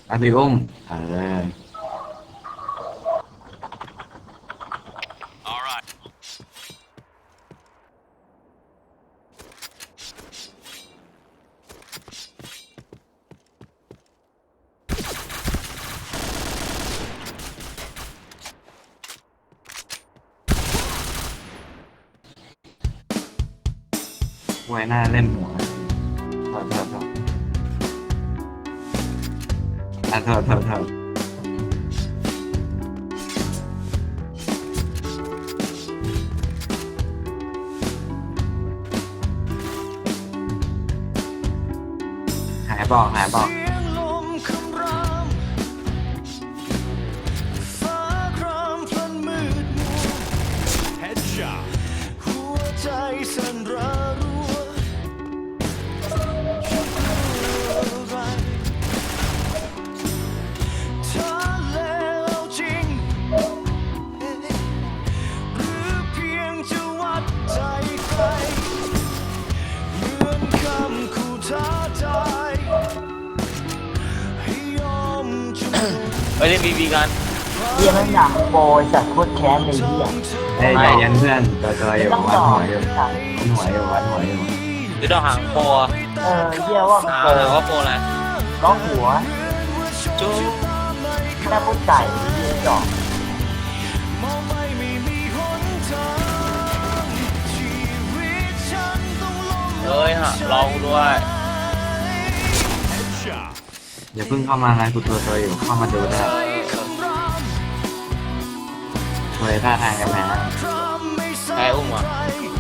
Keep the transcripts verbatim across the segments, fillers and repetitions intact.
อาริอุ้มเออไว้หน้าเล่นหัวโทษโทษโทษอ่ะโทษโทษโทษหายบอกหายบอกไปเล่นบีบีกันเฮียมันอยากโปรยจัดโคตรแค้นเลยเฮียเฮ้ยใจเย็นเพื่อนตัวตัวอยู่วัดหัวอยู่วัดหัวอยู่วัดหัวอยู่หรือดอกหางโปรเออเฮียว่ามันหาโปรหาว่าโปรอะไรร้องหัวจู๊แม่ผู้ไก่เฮียจอกเฮ้ยฮะลองด้วยอย่าเพิ่งเข้ามานะกูตัวตัวอยู่เข้ามาดูได้ตัวท่าทางกันนะแพ้อุ้มอ่ะ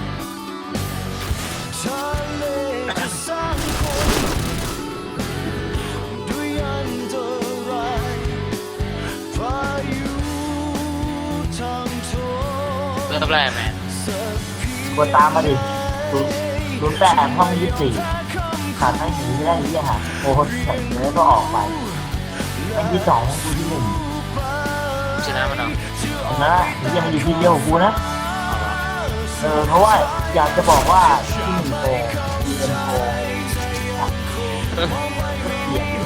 เริ่มแรกแมนกดตามมาดิศูนย์ศูนย์แปดห้องยี่สิบสี่ขาดไม่หนีไม่ได้เฮียหาโอ้โหใส่เนื้อก็ออกไปไอ้ที่สองกูที่หนึ่งชนะมันเอานะเฮียมันอยู่ที่เดียวกูนะเออเพราะว่าอยากจะบอกว่าที่หนึ่งโปรดีเอ็นโปรเปลี่ยน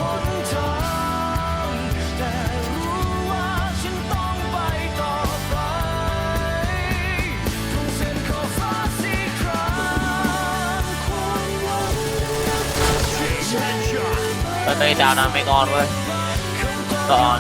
แล้วตอนนี้ดาวน้ำไม่กอนเว้ยก่อน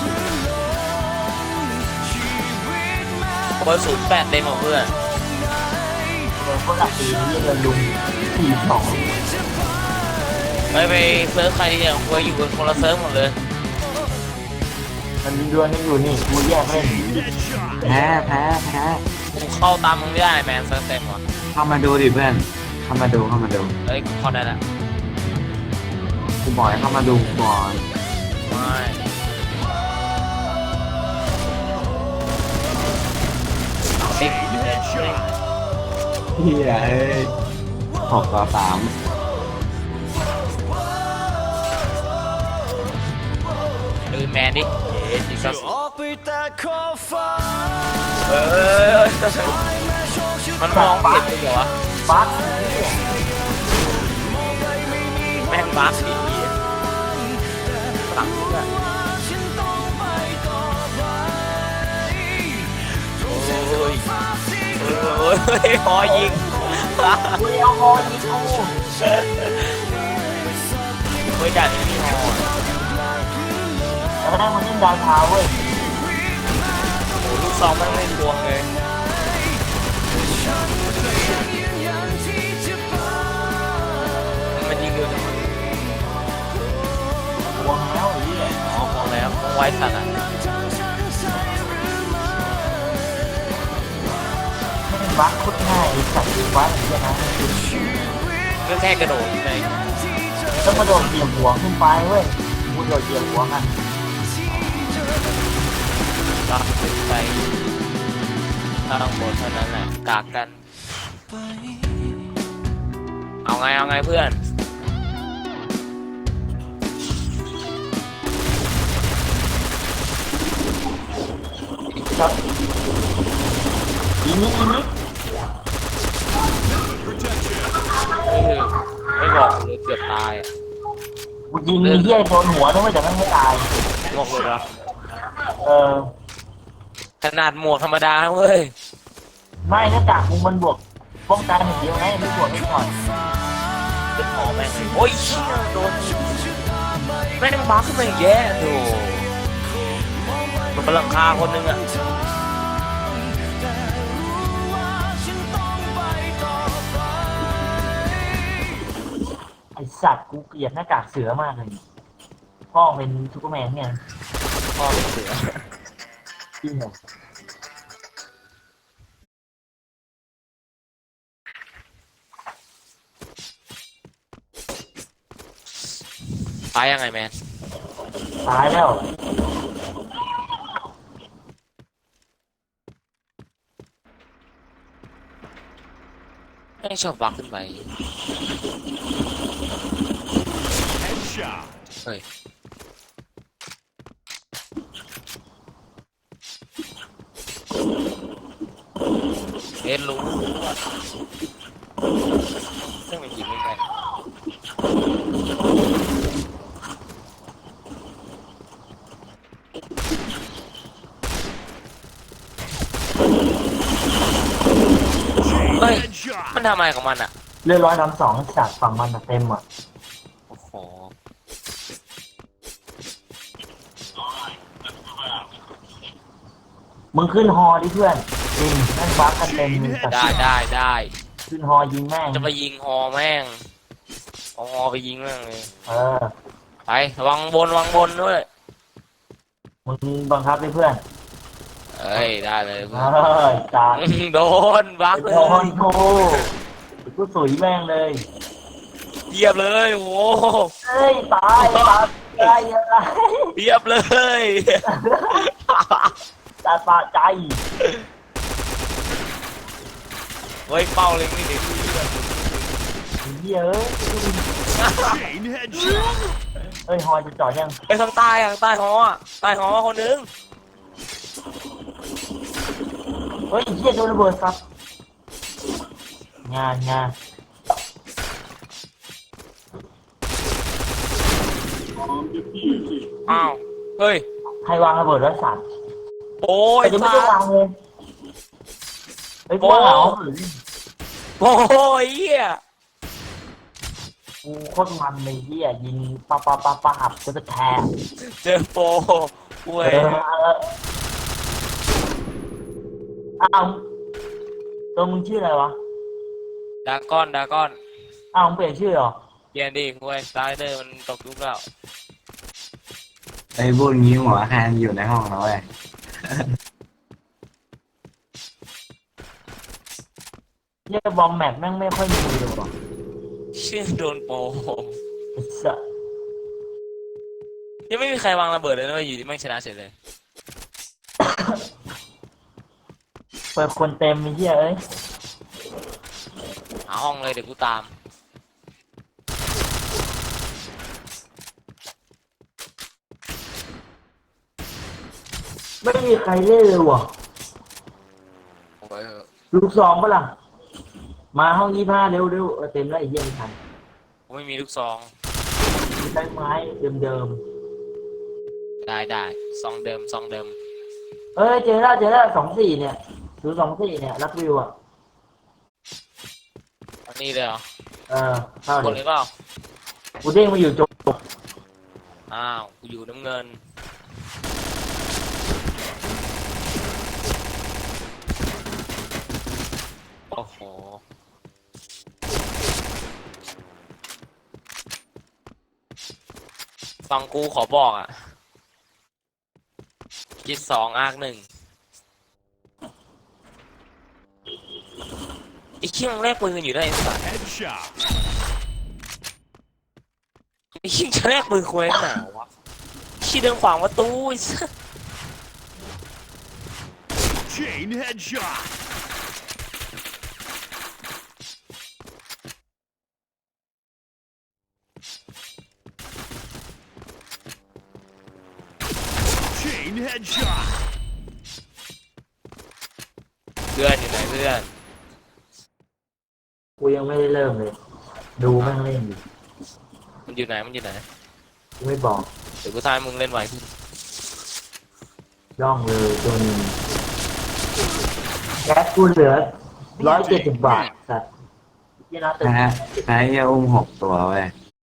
เบอร์ศูนย์แปดเต็มของเพื่อนเออคนหลักปีนี้เงินลุงสี่สองไปไปเซิร์ฟใครที่อย่างเพื่ออยู่บนคนละเซิร์ฟหมดเลยมันมีดวลนี่อยู่นี่กูแยกเล่นแพ้แพ้แพ้กูเข้าตามมึงไม่ได้แมนเซิร์ฟเต็มหมดเข้ามาดูดิเพื่อนเข้ามาดูเข้ามาดูเฮ้ยเข้าได้ละกูบอกให้เข้ามาดูก่อนไม่สิบเฮียเอ้ยหกต่อสามดูแมนดิเอ๊ะจิกซัสเออมันมองเห็นเลยเหรอวะบัสแม่งบัสอีกหลังด้วยโอ้ยโอ้ยพอยิงกูเอาฮอยิงกูเฮ้ยด่านนี้มีฮอแล้วก็ได้มาเล่นดาวเท้าเว้ยโอ้ลูกซองมันเล่นดวงเลยมันยิงเร็วจังวะวงแล้วไอ้เหี้ยอ๋อมองแล้วมองไว้สัตว์อ่ะบัสโคตรง่ายไอ้สัตว์บัสอย่างเงี้ยนะก็แค่กระโดดไปต้องมาโดดเหยียบหัวขึ้นไปเว้ยกูโดดเหยียบหัวกันก็ขึ้นไปถ้าต้องบนเท่านั้นแหละกากกันเอาไงเอาไงเพื่อนครับอีนี้อีนี้ไม่คือไม่บอกเลยเกือบตายอ่ะกูกูยิงไอ้เหี้ยโดนหัวนึกว่าจะไม่ไม่ตายหมวกหลุดเหรอเออขนาดหมวกธรรมดาเว้ยไม่หน้ากากมึงมันบวกป้องกันอย่างเดียวไงไม่บวกไม่ก่อนเป็นหมอแม่งเลยโอ้ยเชี่ยโดนแม่งบักขึ้นมาอีกแย่โถ่มันเป็นหลังคาคนนึงอะไอสัตว์กูเกลียดหน้ากากเสือมากเลยพ่อเป็นซูเปอร์แมนเนี่ยพ่อเป็นเสือจริงเหรอตายยังไงแมนตายแล้วแม่งชอบบักขึ้นไปเฮ้ยเอ็นรู้เรื่องมันยิงไม่ได้เฮ้ยมันทำอะไรของมันอ่ะเรือร้อยลำสองสัตว์ฝั่งมันอะเต็มอ่ะโอ้โหมึงขึ้นฮอดิเพื่อนจริงแม่งบักกันเต็มเลยสัตว์ได้ได้ได้ขึ้นฮอยิงแม่งจะไปยิงฮอแม่งเอาฮอไปยิงแม่งเลยเออไประวังบนระวังบนด้วยมึงบังคับดิเพื่อนเอ้ยได้เลยเอ้ยตายโดนบักเลโดนยกูกูสุยแม่งเลยเหยียบเลยโอ้โหเฮ้ยตายตายตายอะไรเหยียบเลยตาปาใจเฮ้ยเป้าเล็งนี่ดิเหี้ยเอ้ยเฮ้ยฮอจะจอดยังไปทางใต้ทางใต้หออ่ะใต้หอคนนึงเฮ้ยเหี้ยโดนระเบิดครับงานงานอ้าวเฮ้ยใครวางระเบิดไว้สัตว์โอ้ยแต่ยังไม่ได้วางเลยเฮ้ยกูว่าเหรอโอ้ยเหี้ยกูโคตรมันเลยเหี้ยยิงปะปะปะปะหับก็จะแทงเจอโปรเว้เอย ออ้าวตัวมึงชื่ออะไรวะดาก้อนดาก้อนอ้าวมึงเปลี่ยนชื่อเหรอเปลี่ยนดิเว้ยสไลเดอร์มันตกยุคแล้วไอ้พวกนี้หัวแคนอยู่ในห้องแล้วเว้ยเรียกบอมแมทแม่งไม่ค่อยมีเลยว่ะชื่อโดนโปรไอ้สัสยังไม่มีใครวางระเบิดเลยนะเว้ยอยู่ที่ไม่งชนะเฉยเลยเปิดคนเต็มไอ้เหี้ยเอ้ยหาห้องเลยเดี๋ยวกูตามไม่มีใครเล่นเลยว่ะโอ้ยลูกซองปะล่ะมาห้องยี่ห้าเร็วเร็วเออเต็มแล้วไอ้เหี้ยไม่ทันกูไม่มีลูกซองใช้ไม้เดิมได้ได้ซองเดิมซองเดิมๆเอ้ยเจอแล้วเจอแล้วสองสี่เนี่ยศูนย์สองสี่เนี่ยรักวิวอ่ะอันนี้เลยเหรอเออเข้ากดเลเลย ยเปล่ากูเด้งมาอยู่จบอ้าวกูอยู่น้ำเงินโอ้โหฟังกูขอบอกอ่ะคิดสองอาร์คหนึ่งไอ้เชี่ยงแรกปืนอยู่ได้ไอ้สัสไอ้เชี่ยงจะแรกปืนคุยหนาวะชี้เดินขวางประตูไอ้สัส Chain headshot. Chain headshot. เพื่อนอยู่ไหนเพื่อนกูยังไม่ได้เริ่มเลย ดูแม่งเล่นอยู่มันอยู่ไหนมันอยู่ไหนกูไม่บอกเดี๋ยวกูทายมึงเล่นไวขึ้นย่องเลยตัวหนึงแก๊สกูเหลือร้อยเจ็ดสิบบาทสัตว์ยี่น่าตื่นแพ้แพ้เหี้ยอุ้มหกตัวเว้ย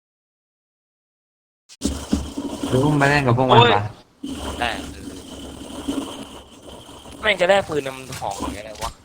หรืออุ้มไปเล่นกับพวกมันปะแต่แม่งจะได้ปืนมันหอมอย่างไรวะ